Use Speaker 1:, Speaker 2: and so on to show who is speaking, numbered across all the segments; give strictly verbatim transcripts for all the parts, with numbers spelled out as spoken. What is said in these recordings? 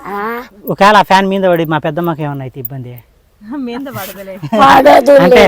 Speaker 1: ఒకవేళ ఆ ఫ్యాన్ మీద పడి మా పెద్దమ్మకి ఏమన్నా అయితే ఇబ్బంది
Speaker 2: మీద పడదలే
Speaker 1: అంటే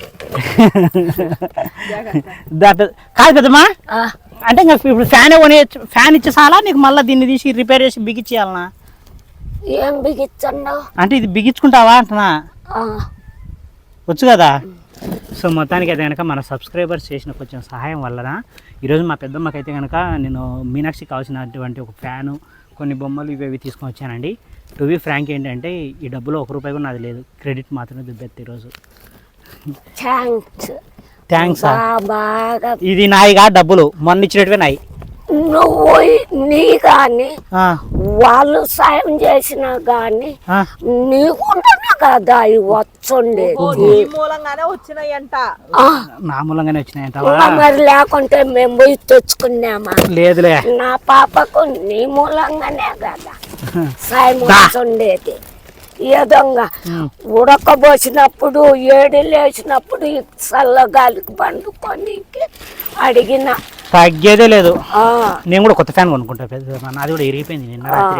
Speaker 1: కాదు పెద్దమ్మా అంటే ఇంకా ఇప్పుడు ఫ్యాన్ కొని ఫ్యాన్ ఇచ్చేసాలా నీకు మళ్ళీ దీన్ని తీసి రిపేర్ చేసి బిగించేయాలనా
Speaker 3: ఏం బిగించండు
Speaker 1: అంటే ఇది బిగించుకుంటావా అంటున్నా వచ్చు కదా సో మొత్తానికి అయితే కనుక మన సబ్స్క్రైబర్స్ చేసిన కొంచెం సహాయం వలన ఈరోజు మా పెద్దమ్మకి అయితే కనుక నేను మీనాక్షికి కావాల్సినటువంటి ఒక ఫ్యాను కొన్ని బొమ్మలు ఇవి ఇవి తీసుకొని వచ్చానండి. టు బి ఫ్రాంక్ ఏంటంటే ఈ డబ్బులో ఒక రూపాయి కూడా నాది లేదు, క్రెడిట్ మాత్రమే దుబ్బెత్తి ఈరోజు.
Speaker 3: థ్యాంక్స్
Speaker 1: థ్యాంక్స్
Speaker 3: బాగా
Speaker 1: ఇది నాయిగా డబ్బులు మొన్న ఇచ్చినట్టువే నాయి.
Speaker 3: నువ్వు నీ కానీ వాళ్ళు సాయం చేసినా కానీ నీకుంటున్నా కదా అవి వచ్చుండేది
Speaker 2: మూలంగానే వచ్చినాయంట
Speaker 1: నా మూలంగానే వచ్చినాయంట
Speaker 3: మరి లేకుంటే మేము పోయి తెచ్చుకున్నామా
Speaker 1: లేదులే
Speaker 3: నా పాపకు నీ మూలంగానే కదా సాయం వచ్చుండేది. ఏదోగా ఉడకబోసినప్పుడు ఏడు లేచినప్పుడు చల్లగాలికి పండుకొని అడిగిన
Speaker 1: తగ్గేదే లేదు. నేను కూడా కొత్త ఫ్యాన్ కొనుక్కుంటా, నాది కూడా ఇరిగిపోయింది నిన్న రాత్రి.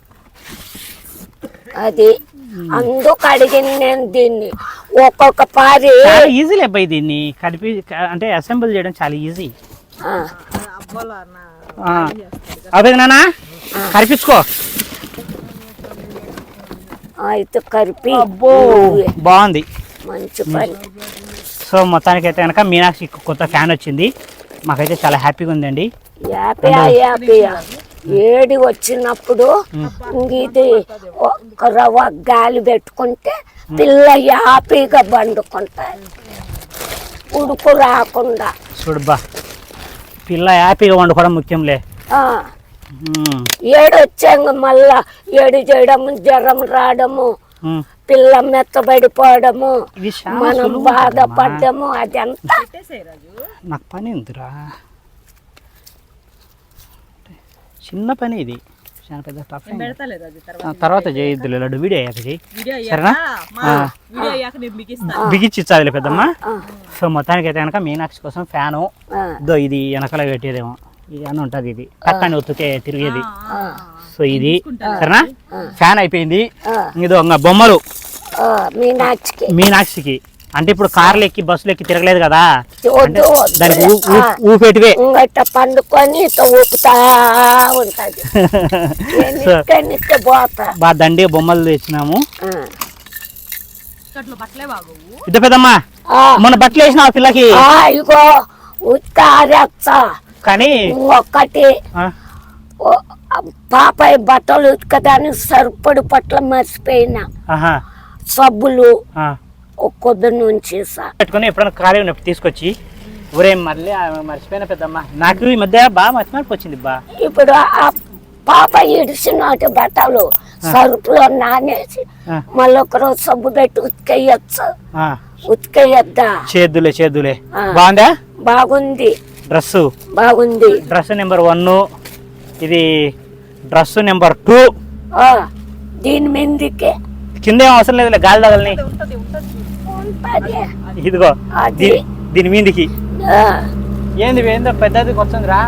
Speaker 3: అది అందుకు అడిగింది నేను దీన్ని. ఒక్కొక్క పారి
Speaker 1: ఈజీ అబ్బాయి, దీన్ని కలిపి అంటే అసెంబుల్ చేయడం చాలా ఈజీ. అదే నానా కరిపించుకో
Speaker 3: అయితే కలిపి
Speaker 1: బాగుంది,
Speaker 3: మంచి పని.
Speaker 1: సో మొత్తానికి అయితే కనుక మీనాక్షి కొత్త ఫ్యాన్ వచ్చింది, మాకైతే చాలా హ్యాపీగా ఉందండి.
Speaker 3: హ్యాపీ హ్యాపీ ఏడి వచ్చినప్పుడు ఇది ఒక రవ్వ గాలి పెట్టుకుంటే పిల్ల హ్యాపీగా బండుకుంటాయి ఉడుకు రాకుండా.
Speaker 1: చూడుబా పిల్ల హ్యాపీగా వండుకోవడం ముఖ్యంలే.
Speaker 3: ఏడు వచ్చాక మళ్ళా ఏడు చేయడము, జ్వరం రావడము, పిల్ల మెత్తబడిపోవడము, మనం బాధపడ్డము, అదంతా
Speaker 1: నాకు పని ఉందిరా, చిన్న పని ఇది, చాలా పెద్ద టఫ్. తర్వాత చేయొద్దు లడ్డు, వీడియో అయ్యాక చేయి సరేనా, బిగించి ఇచ్చాదిలే పెద్దమ్మ. సో మొత్తానికి అయితే కనుక మీనాక్షి కోసం ఫ్యాను దో ఇది వెనకాల పెట్టేదేమో ఇది అని ఉంటుంది, ఇది పక్కన ఒత్తుకే తిరిగేది. సో ఇది సరేనా, ఫ్యాన్ అయిపోయింది. ఇదో బొమ్మలు
Speaker 3: మీనాక్షికి
Speaker 1: మీనాక్షికి అంటే ఇప్పుడు కార్లు ఎక్కి బస్సులు ఎక్కి తిరగలేదు కదా, దానికి ఊపేటివే
Speaker 3: పండుకొని ఊపుతా ఉంటది.
Speaker 1: బాగా దండి బొమ్మలు తెచ్చినాము. ఇద్దరు పెద్దమ్మా మొన్న బట్టలు వేసిన ఆ పిల్లకి
Speaker 3: ఇగో ఉత్కారచ్చా
Speaker 1: కానీ
Speaker 3: ఒక్కటి పాపాయ బట్టలు ఉతకడానికి సరిపడి పట్ల మర్చిపోయినా, సబ్బులు కొద్ది నుంచి
Speaker 1: పెట్టుకుని ఎప్పుడైనా ఖాళీ ఉన్నప్పుడు తీసుకొచ్చి ఊరే మళ్ళీ మర్చిపోయిన పెద్దమ్మ. నాకు ఈ మధ్య బాగా మర్చిపోయి వచ్చింది బా.
Speaker 3: ఇప్పుడు ఆ పాప ఇడిచినట్టు బట్టలు సరుపులో నానేసి మళ్ళీ ఒకరోజు సబ్బు పెట్టి ఉతికేయచ్చు. ఉతికేయద్దా?
Speaker 1: చేద్దులే చేద్దులే. బాగుందా?
Speaker 3: బాగుంది.
Speaker 1: డ్రెస్
Speaker 3: బాగుంది.
Speaker 1: డ్రెస్ నెంబర్ వన్, ఇది డ్రెస్ నెంబర్ టూ.
Speaker 3: దీని మీదకే
Speaker 1: కింద ఏం అవసరం లేదు, గాలి తగలని. ఇదిగో దీని మీదికి ఏంది ఏందో పెద్దది వస్తుందిరా,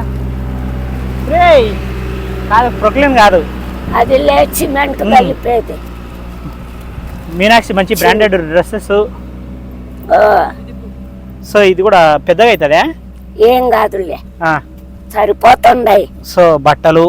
Speaker 1: కాదు ప్రొక్లీన్ కాదు,
Speaker 3: అది సిమెంట్ కలిపేది.
Speaker 1: మీనాక్షి మంచి బ్రాండెడ్ డ్రెస్సెస్. సో ఇది కూడా పెద్దగా అవుతుందా?
Speaker 3: ఏం కాదులే, సరిపోతుండాయి.
Speaker 1: సో బట్టలు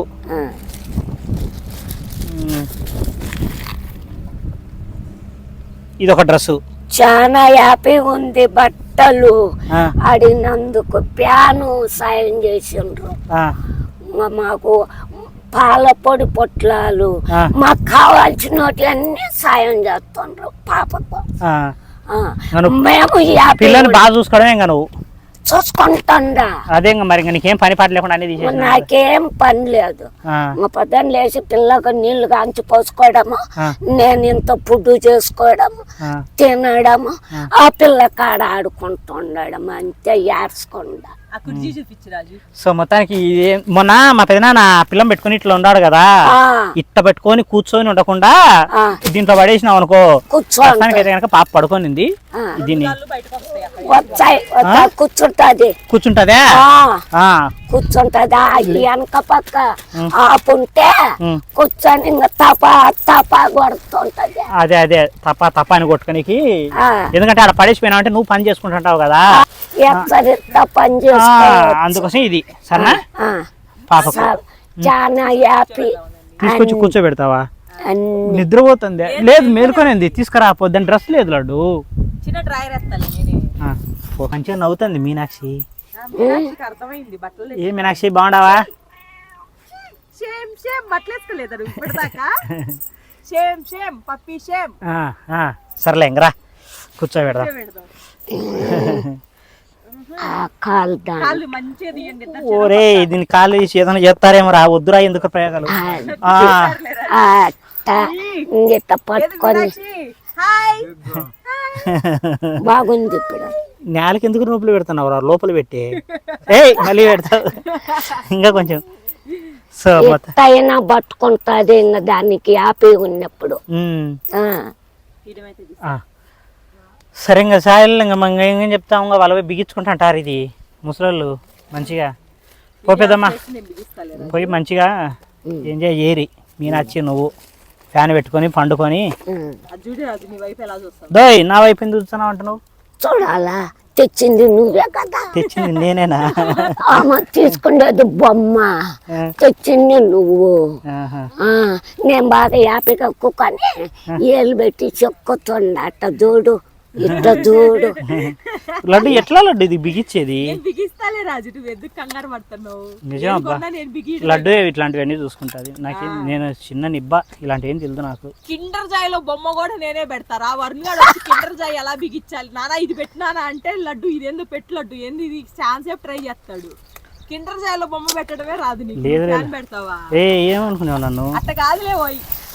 Speaker 1: ఇది ఒక డ్రెస్సు
Speaker 3: చాలా హ్యాపీ ఉంది. బట్టలు అడిగినందుకు ప్యాను సాయం చేసిండ్రు. మాకు పాల పొడి పొట్లాలు మాకు కావాల్సినవి అన్ని సాయం చేస్తుండ్రు పాపకు. మేము
Speaker 1: పిల్లల్ని బాగా చూసుకోవడమే ఇంకా నువ్వు
Speaker 3: చూసుకుంటా.
Speaker 1: అదే మరి నీకేం పని పాట లేకుండా అనేది
Speaker 3: నాకేం పని లేదు. మా పొద్దున్న లేచి పిల్లలకు నీళ్లు కాంచి పోసుకోవడము, నేను ఇంత ఫుడ్ చేసుకోవడము, తినడము, ఆ పిల్ల కాడ ఆడుకుంటూ ఉండడం, అంతే. ఏడ్చకుండా
Speaker 2: ఆ కుర్చీ చూపించు రాజు.
Speaker 1: సో మొత్తానికి ఇది- మొన్న మా పెదనాన్న పిల్లం పెట్టుకుని ఇట్లా ఉన్నాడు కదా,
Speaker 3: ఆ,
Speaker 1: ఇట్ట పెట్టుకొని కూర్చొని ఉండకుండా
Speaker 3: ఆ,
Speaker 1: దీంట్లో పడేసినాం అనుకో,
Speaker 3: కూర్చో
Speaker 1: ప్రస్తుతానికి అయితే కనుక పాప పడుకోనింది.
Speaker 3: ఆ.
Speaker 1: దీన్ని
Speaker 2: కాళ్ళు బయటకు వస్తాయి అక్కడ.
Speaker 3: వచ్చాయి వచ్చా కూర్చుంటది.
Speaker 1: కూర్చుంటదే.
Speaker 3: ఆ,
Speaker 1: ఆ,
Speaker 3: కూర్చుంటదా వెనక పక్క ఆపుంటే
Speaker 1: ఉమ్.
Speaker 3: కూర్చొని ఇంకా తపా తపా కొడుతుంటది.
Speaker 1: అదే అదే తప్ప తప్ప అని కొట్టుకోనికి,
Speaker 3: ఆ,
Speaker 1: ఎందుకంటే అలా పడేసిపోయినా అంటే నువ్వు పని చేసుకుంటుంటావు కదా,
Speaker 3: ఎచ్చరిస్తా పని
Speaker 1: ఆ,
Speaker 3: చేసుకో.
Speaker 1: అందుకోసం ఇది సరేనా
Speaker 3: ఆ,
Speaker 1: పాపకు
Speaker 3: చాలు. చాలా హ్యాపీ.
Speaker 1: తీసుకొచ్చి కూర్చోబెడతావా?
Speaker 3: అన్ని
Speaker 1: నిద్రపోతుంది. లేదు మేలుకొనింది, తీసుకురా పొద్దున్న డ్రెస్ లేదు లడ్డు.
Speaker 2: చిన్న డ్రైవర్ వేస్తాను నేనే.
Speaker 1: ఆ, ఓ, మంచిగా నవ్వుతుంది మీనాక్షి.
Speaker 2: ఆ, మీనాక్షికి అర్థమైంది బట్టలు
Speaker 1: ఏ మీనాక్షి బాగుండావా?
Speaker 2: షేమ్ షేమ్ బట్టలు వేసుకోలేదా నువ్వు ఇప్పటిదాకా? షేమ్ షేమ్ పప్పి షేమ్
Speaker 1: ఆ, ఆ, సర్లే ఇంకరా కూర్చోబెడదా.
Speaker 2: పెడదాం.
Speaker 3: ఆ కాలు దాని
Speaker 2: కాళ్ళు మంచిగా తీయండి ఇద్దరు.
Speaker 1: ఓరే దీన్ని కాళ్ళు తీసి ఏదైనా చేస్తారేమో రా, వద్దురా ఎందుకు ప్రయోగాలు. ఆ,
Speaker 3: ఇంగిత పట్టుకొని
Speaker 2: మీనాక్షి, హాయ్.
Speaker 3: బాగుంది ఇప్పుడు.
Speaker 1: నేలకి ఎందుకు నొప్పులు పెడుతున్నావు రా, లోపల పెట్టి ఏయ్ మళ్ళీ పెడతావు ఇంకా కొంచెం. సో మొత్తం
Speaker 3: ఎత్తైనా పట్టుకుంటది ఇంకా దానికి హ్యాపీ ఉన్నప్పుడు.
Speaker 1: ఉమ్,
Speaker 3: ఆ,
Speaker 2: ఇదమైతే తీసుకో.
Speaker 1: ఆ. సరే ఇంకా సాయిల్ ఇంకా మంగ ఏం చెప్తాము, ఇంకా వాళ్ళ బిగించుకుంటా అంటారు ఇది ముసలోళ్ళు మంచిగా. పో పెద్దమ్మా
Speaker 2: నేను బిగిస్తాలే.
Speaker 1: పోయి మంచిగా ఎంజాయ్ చేయరి. మీనాచ్చి నువ్వు ఫ్యాన్ పెట్టుకొని పండుకొని.
Speaker 3: ఉమ్.
Speaker 2: అది చూడు రాజు, నీ వైపు ఎలా చూస్తావు?
Speaker 1: దోయ్ నా వైపు ఎందుకు చూస్తున్నావు అంట నువ్వు?
Speaker 3: చూడాలా తెచ్చింది నువ్వే కదా.
Speaker 1: తెచ్చింది నేనేనా?
Speaker 3: ఆమె తీసుకునేది బొమ్మ, తెచ్చింది నువ్వు.
Speaker 1: ఆహా.
Speaker 3: ఆ, నేను బాగా హ్యాపీగా కుక్కని ఏళ్ళు పెట్టి చెక్కుతుండ అట్ట చూడు ఇట్ట చూడు.
Speaker 1: లడ్డు ఎట్లా లడ్డు ఇది బిగించేది?
Speaker 2: నేను బిగిస్తాలే రాజు, నువ్వు ఎందుకు కంగారు పడుతున్నావు?
Speaker 1: నిజం అబ్బా,
Speaker 2: ఏం నేను బిగి
Speaker 1: లడ్డు ఇట్లాంటివన్నీ చూసుకుంటుంది. నాకు నేను చిన్న నిబ్బ ఇలాంటివి ఏం తెలియదు నాకు.
Speaker 2: కిండర్ జాయ్లో బొమ్మ కూడా నేనే పెడతారా? వరుణ్ గారు వచ్చి కిండర్ జాయ్ ఎలా బిగించాలి నానా ఇది పెట్టినానా అంటే లడ్డు ఇదేందో పెట్టు లడ్డు ఏంది ఇది ఛాన్స్ సేపు ట్రై చేస్తాడు. కిండర్ జాయ్లో బొమ్మ పెట్టడమే రాదు నీకు.
Speaker 1: లేదు, లేదు.
Speaker 2: ఫ్యాన్ పెడతావా?
Speaker 1: ఏ ఏమనుకున్నావు నన్ను?
Speaker 2: అట్ట కాదులే పోయి.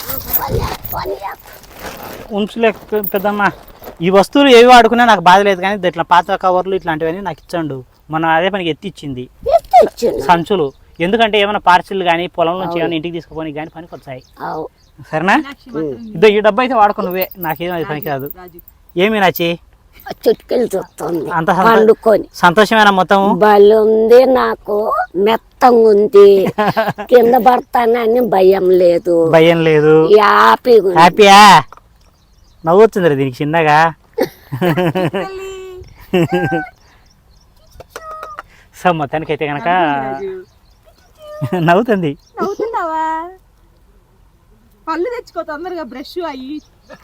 Speaker 1: ఉంచులేక పెద్దమ్మా, ఈ వస్తువులు ఏవి వాడుకున్నా నాకు బాధ లేదు, కానీ ఇట్లా పాత కవర్లు ఇట్లాంటివన్నీ నాకు ఇచ్చండు. మనం అదే పనికి ఎత్తి ఇచ్చింది
Speaker 3: తెచ్చిండు.
Speaker 1: సంచులు. ఎందుకంటే ఏమైనా పార్సిల్ కానీ పొలం నుంచి ఏమైనా ఇంటికి తీసుకుపోయి కానీ పనికి వచ్చాయి.
Speaker 3: అవు.
Speaker 1: సరేనా?
Speaker 2: మీనాక్షి మాత్రం
Speaker 1: ఇదో ఈ డబ్బు అయితే వాడుకో నువ్వే, నాకేం అది పనికి రాదు.
Speaker 2: రాజు
Speaker 1: ఏమి నచ్చి
Speaker 3: ఆ చిట్కలు చూస్తుంది
Speaker 1: అంత సంతో-
Speaker 3: పండుకొని.
Speaker 1: సంతోషమేనా మొత్తం?
Speaker 3: బలుంది నాకు, మెత్తంగా ఉంది, కింద పడతానని భయం లేదు,
Speaker 1: భయం లేదు,
Speaker 3: హ్యాపీగా ఉంది.
Speaker 1: హ్యాపీయా? నవ్వుతుంది రా దీనికి చిన్నగా.
Speaker 2: తల్లి.
Speaker 1: సో మొత్తానికి అయితే కనుక
Speaker 2: రాజు
Speaker 1: నవ్వుతుంది.
Speaker 2: నవ్వుతున్నావా? పళ్ళు తెచ్చుకో తొందరగా, బ్రష్ అయ్యి.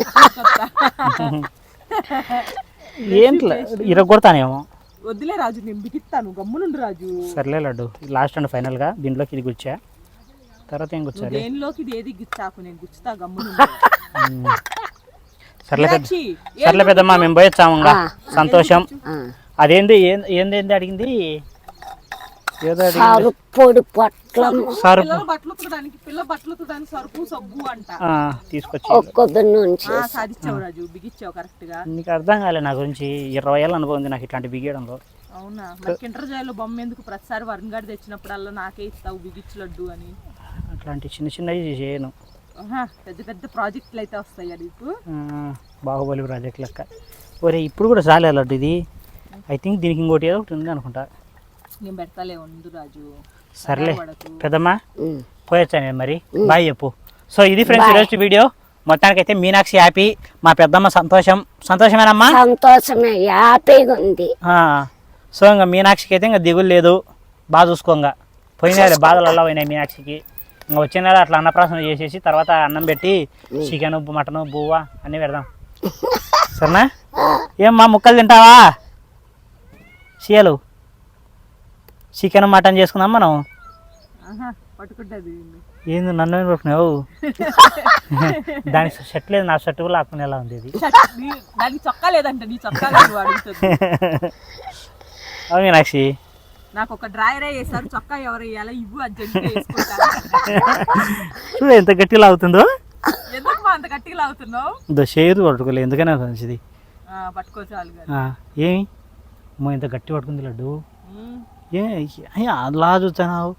Speaker 1: ఏంట్లా ఇరగొడతానేమో.
Speaker 2: వద్దులే రాజు, నేను బిగిస్తాను, గమ్మునుండు రాజు.
Speaker 1: సర్లే లడ్డు, లాస్ట్ అండ్ ఫైనల్గా దీంట్లోకి ఇది గుచ్చా, తర్వాత ఏం గుచ్చాలి?
Speaker 2: దేనిలోకి ఇది ఏది గుచ్చాకు, నేను గుచ్చుతా గమ్మును.
Speaker 1: ఉమ్. సర్లే పెద్ద సర్లే పెద్దమ్మా, మేము పోయొచ్చాము ఇంకా. సంతోషం.
Speaker 3: ఆ,
Speaker 1: అదేంది ఏం- ఏంది ఏంది అడిగింది? ఏదో అడిగింది.
Speaker 3: సారు పొడి పొట్లం
Speaker 1: సరుపు
Speaker 2: పిల్లల బట్టలు ఉతకడానికి పిల్ల బట్టలు ఉతకడానికి సరుపు సబ్బు అంట.
Speaker 1: ఆ, తీసుకొచ్చి
Speaker 3: ఒక్కొక్క నుంచి
Speaker 2: ఆ, సాధించావు రాజు, బిగిచ్చావు కరెక్ట్ గా.
Speaker 1: నీకు అర్థం కాలే నా గురించి. ఇరవై ఏళ్ళ అనుభవం ఉంది నాకు ఇట్లాంటి బిగియడంలో.
Speaker 2: అవునా? మరి కింటర్ జాయ్లో బొమ్మ ఎందుకు ప్రతిసారి వరుణ్ గారు తెచ్చినప్పుడల్లా నాకే ఇస్తావు బిగిచ్చు లడ్డు అని?
Speaker 1: అట్లాంటి చిన్న చిన్నవి చేయను.
Speaker 2: ఆహా, పెద్ద పెద్ద ప్రాజెక్టులు అయితే వస్తాయి నీకు.
Speaker 1: ఆ, బాహుబలి ప్రాజెక్ట్ లెక్క. ఒరే ఇప్పుడు కూడా చాలే లడ్డు ఇది. ఐ థింక్ దీనికి ఇంకోటి ఏదో ఒకటి ఉంది అనుకుంటా.
Speaker 2: నేను పెడతాలే ఉండు రాజు.
Speaker 1: సర్లే
Speaker 2: పడకు.
Speaker 1: పెద్దమ్మా,
Speaker 3: ఉమ్.
Speaker 1: పోయొచ్చా నేను మరి. బాయ్ చెప్పు. సో ఇది ఫ్రెండ్స్ ఈరోజు వీడియో. మొత్తానికైతే మీనాక్షి హ్యాపీ, మా పెద్దమ్మ సంతోషం. సంతోషమేనమ్మా?
Speaker 3: సంతోషమే, హ్యాపీగా ఉంది.
Speaker 1: ఆ, సో ఇంకా మీనాక్షికి అయితే ఇంకా దిగులు లేదు. బాగా చూసుకోంగా. పోయినా బాధలు అలా పోయినాయి మీనాక్షికి. ఇంకా వచ్చే నెల అట్లా అన్నప్రాసన చేసేసి తర్వాత అన్నం పెట్టి చికెన్ మటన్ బువ్వ అన్నీ పెడదాం. సరేనా? ఏమ్మా ముక్కలు తింటావా? చీయలు చికెన్ మటన్ చేసుకుందాం మనం.
Speaker 2: ఆహా, పట్టుకుంటది.
Speaker 1: ఏంది నన్ను ఏం పట్టుకున్నావు? దానికి షర్ట్ లేదు, నా షర్ట్ కూడా లాక్కునేలా ఉంది ఇది.
Speaker 2: షర్ట్ నీ- దానికి చొక్కా లేదంట, నీ చొక్కా లేదు అడుగుతుంది.
Speaker 1: అవును మీనాక్షి.
Speaker 2: నాకు ఒక డ్రాయరే వేసారు, చొక్కా ఎవరు వేయాలా ఇవ్వు అర్జెంట్ వేసుకుంటా.
Speaker 1: చూడు ఎంత గట్టిగా అవుతుందో.
Speaker 2: ఎందుకు మా అంత గట్టిగా లాగుతున్నావు?
Speaker 1: దో షేరు పట్టుకోలేదు, ఎందుకనే మంచిది.
Speaker 2: పట్టుకో చాలు కానీ.
Speaker 1: ఆ, ఏమి అమ్మో ఇంత గట్టి పట్టుకుంది లడ్డు.
Speaker 2: ఉమ్,
Speaker 1: ఏ ఏ, అలా చూస్తున్నావు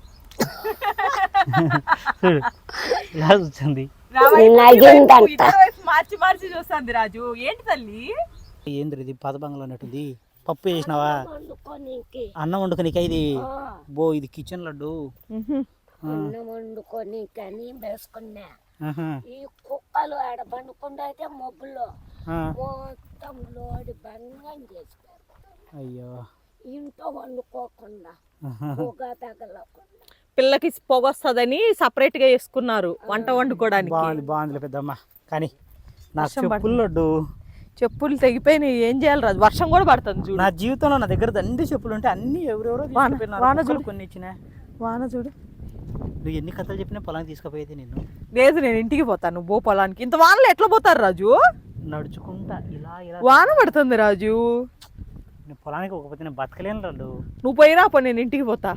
Speaker 1: చూడు ఇలా చూస్తుంది.
Speaker 2: నా వైపు
Speaker 3: నగిందంట.
Speaker 2: ఇద్దరు వైపు మార్చి మార్చి చూస్తుంది రాజు. ఏంటి తల్లి?
Speaker 1: ఏంద్ర ఇది పదబంగంలో ఉన్నట్టుంది. పప్పు చేసినావా?
Speaker 3: వండుకోనీకి
Speaker 1: అన్నం వండుకోనికా ఇది?
Speaker 3: ఆ,
Speaker 1: బో ఇది కిచెన్ లడ్డు.
Speaker 3: అన్నం వండుకోనీకని వేసుకున్నా.
Speaker 1: ఆహా.
Speaker 3: ఈ కుక్కలు ఆడ పండుకుండా అయితే మబ్బులో
Speaker 1: ఆ.
Speaker 3: మొత్తం లోడి బంగం చేసిపోయారు.
Speaker 1: అయ్యో
Speaker 3: ఇంట్లో వండుకోకుండా పొగ తగలకుండా.
Speaker 2: పిల్లకి పొగ వస్తుందని సపరేట్ గా వేసుకున్నారు వంట వండుకోవడానికి.
Speaker 1: బాగుంది బాగుంది పెద్దమ్మ. కానీ నా
Speaker 2: వర్షం
Speaker 1: చెప్పులు లడ్డు,
Speaker 2: చెప్పులు తెగిపోయినాయి. ఏం చేయాలి రాజు? వర్షం కూడా పడుతుంది చూడు.
Speaker 1: నా జీవితంలో నా దగ్గర దండి చెప్పులు ఉంటే అన్ని ఎవరెవరో
Speaker 2: వాన-
Speaker 1: తీసుకుపోయినారు.
Speaker 2: వాన
Speaker 1: కుక్కలు
Speaker 2: చూడు.
Speaker 1: కొన్ని ఇచ్చిన.
Speaker 2: వాన చూడు.
Speaker 1: నువ్వు ఎన్ని కథలు చెప్పినా పొలానికి తీసుకుపోయేది నేను.
Speaker 2: లేదు నేను ఇంటికి పోతాను. నువ్వు పో పొలానికి. ఇంత వానలో ఎట్లా పోతారు రాజు?
Speaker 1: నడుచుకుంటా ఇలా ఇలా.
Speaker 2: వాన పడుతుంది రాజు.
Speaker 1: నేను పొలానికి పోకపోతే నేను బతకలేను లడ్డు.
Speaker 2: నువ్వు పోయిరా పో, నేను ఇంటికి పోతా.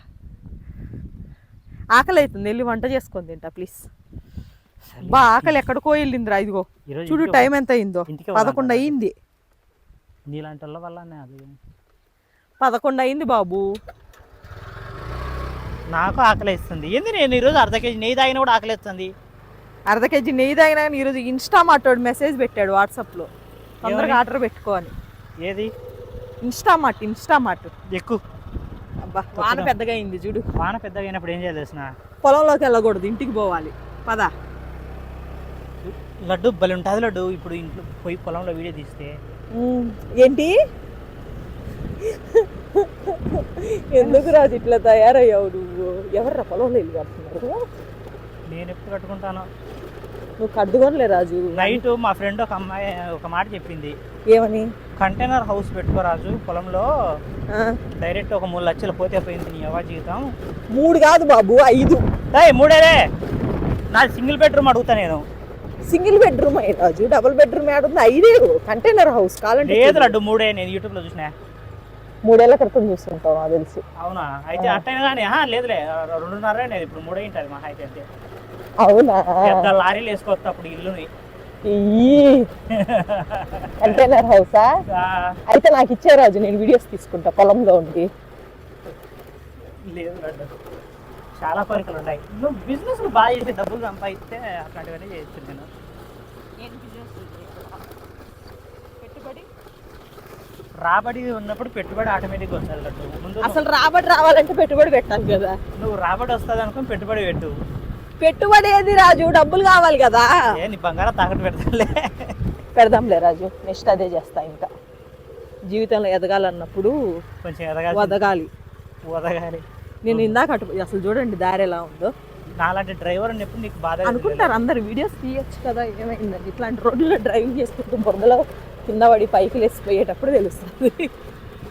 Speaker 2: ఆకలి అవుతుంది, వెళ్ళి వంట చేసుకొని తింటా ప్లీజ్. బా ఆకలి ఎక్కడికో వెళ్ళిందిరా. ఇదిగో
Speaker 1: ఈరోజు
Speaker 2: చూడు
Speaker 1: ఇంటికి
Speaker 2: టైం ఎంత అయిందో.
Speaker 1: ఇంటికి
Speaker 2: పదకొండు
Speaker 1: పోదాం.
Speaker 2: అయింది.
Speaker 1: నీలాంటి వాళ్ళ వల్లనే అది.
Speaker 2: పదకొండు అయింది బాబు.
Speaker 1: నాకు ఆకలి ఇస్తుంది. ఏంది నేను ఈరోజు అర్ధ కేజీ నెయ్యి తాగినా కూడా ఆకలి ఇస్తుంది.
Speaker 2: అర్ధ కేజీ నెయ్యి తాగినా కానీ ఈరోజు ఇన్స్టామార్ట్ వాడు మెసేజ్ పెట్టాడు వాట్సాప్లో, తొందరగా ఆర్డర్ పెట్టుకో అని.
Speaker 1: ఏది?
Speaker 2: ఇన్స్టామార్ట్ ఇన్స్టామార్ట్
Speaker 1: ఎక్కువ
Speaker 2: అబ్బా వాన పెద్దగా అయింది చూడు.
Speaker 1: వాన పెద్దగా అయినప్పుడు ఏం చేయాలి తెలిసిన?
Speaker 2: పొలంలోకి వెళ్ళకూడదు, ఇంటికి పోవాలి. పద.
Speaker 1: లడ్డు బలి ఉంటుంది లడ్డు. ఇప్పుడు ఇంట్లో పోయి పొలంలో వీడియో తీస్తే
Speaker 2: ఏంటి? ఎందుకు రాజు ఇట్లా తయారయ్యావు నువ్వు? ఎవర్రా పొలంలో ఇల్లు కడుతున్నారు?
Speaker 1: నేను ఎప్పుడు కట్టుకుంటాను.
Speaker 2: నువ్వు కట్టుకోనిలే రాజు.
Speaker 1: నైట్ మా ఫ్రెండ్ ఒక అమ్మాయి ఒక మాట చెప్పింది.
Speaker 2: ఏమని?
Speaker 1: కంటైనర్ హౌస్ పెట్టుకో రాజు పొలంలో,
Speaker 2: ఆ,
Speaker 1: డైరెక్ట్ ఒక మూడు లక్షలు పోతే పోయింది నీ యవ జీవితం.
Speaker 2: మూడు కాదు బాబు, ఐదు.
Speaker 1: ఏయ్ మూడేదే. నాది సింగిల్ బెడ్రూమ్ అడుగుతా నేను.
Speaker 2: సింగిల్ బెడ్రూమ్ అయ్యి రాజు, డబుల్ బెడ్రూమ్ ఏడుంది? ఐదే కంటైనర్ హౌస్ కావాలంటే.
Speaker 1: లేదు లడ్డు మూడే. నేను యూట్యూబ్లో చూసినా.
Speaker 2: మూడేళ్ల క్రితం చూస్తుంటావు నాకు తెలిసి.
Speaker 1: అవునా? అయితే అట్టైనా కానీ లేదులే, రెండున్నర అనేది ఇప్పుడు మూడే ఉంటుంది మా అయితే. అంతే.
Speaker 2: అవునా?
Speaker 1: పెద్ద లారీలు వేసుకోవచ్చు అప్పుడు ఇల్లుని.
Speaker 2: కంటైనర్ హౌసా? అయితే నాకు ఇచ్చే రాజు, నేను వీడియోస్ తీసుకుంటా పొలంలో ఉండి.
Speaker 1: లేదు లడ్డు, చాలా కోరికలు ఉన్నాయి. నువ్వు బిజినెస్ బాగా చేసి డబ్బులు సంపాదిస్తే అట్లాంటివన్నీ చేయొచ్చు. నేను
Speaker 2: పెట్టుబడి
Speaker 1: రాబడి ఉన్నప్పుడు పెట్టుబడి ఆటోమేటిక్గా వస్తుంది లడ్డు. ముందు
Speaker 2: అసలు రాబడి రావాలంటే పెట్టుబడి పెట్టాలి కదా.
Speaker 1: నువ్వు రాబడి వస్తుంది అనుకుని పెట్టుబడి పెట్టు.
Speaker 2: పెట్టుబడి ఏది రాజు? డబ్బులు కావాలి కదా.
Speaker 1: ఏ నీ బంగారం తాకట్టు పెడతాలే.
Speaker 2: పెడదాంలే రాజు, నెక్స్ట్ అదే చేస్తా. ఇంకా జీవితంలో ఎదగాలన్నప్పుడు
Speaker 1: కొంచెం ఎదగాలి
Speaker 2: వదగాలి.
Speaker 1: వదగాలి.
Speaker 2: నేను ఇందాక అటు అసలు చూడండి దారి ఎలా ఉందో.
Speaker 1: నాలాంటి డ్రైవర్ ఉన్నప్పుడు నీకు బాధ
Speaker 2: అనుకుంటారు అందరు వీడియోస్ తీయచ్చు కదా, ఏమైందండి ఇట్లాంటి రోడ్లలో డ్రైవింగ్ చేసుకుంటూ బురదలో కింద పడి పైకి లేసిపోయేటప్పుడు తెలుస్తుంది.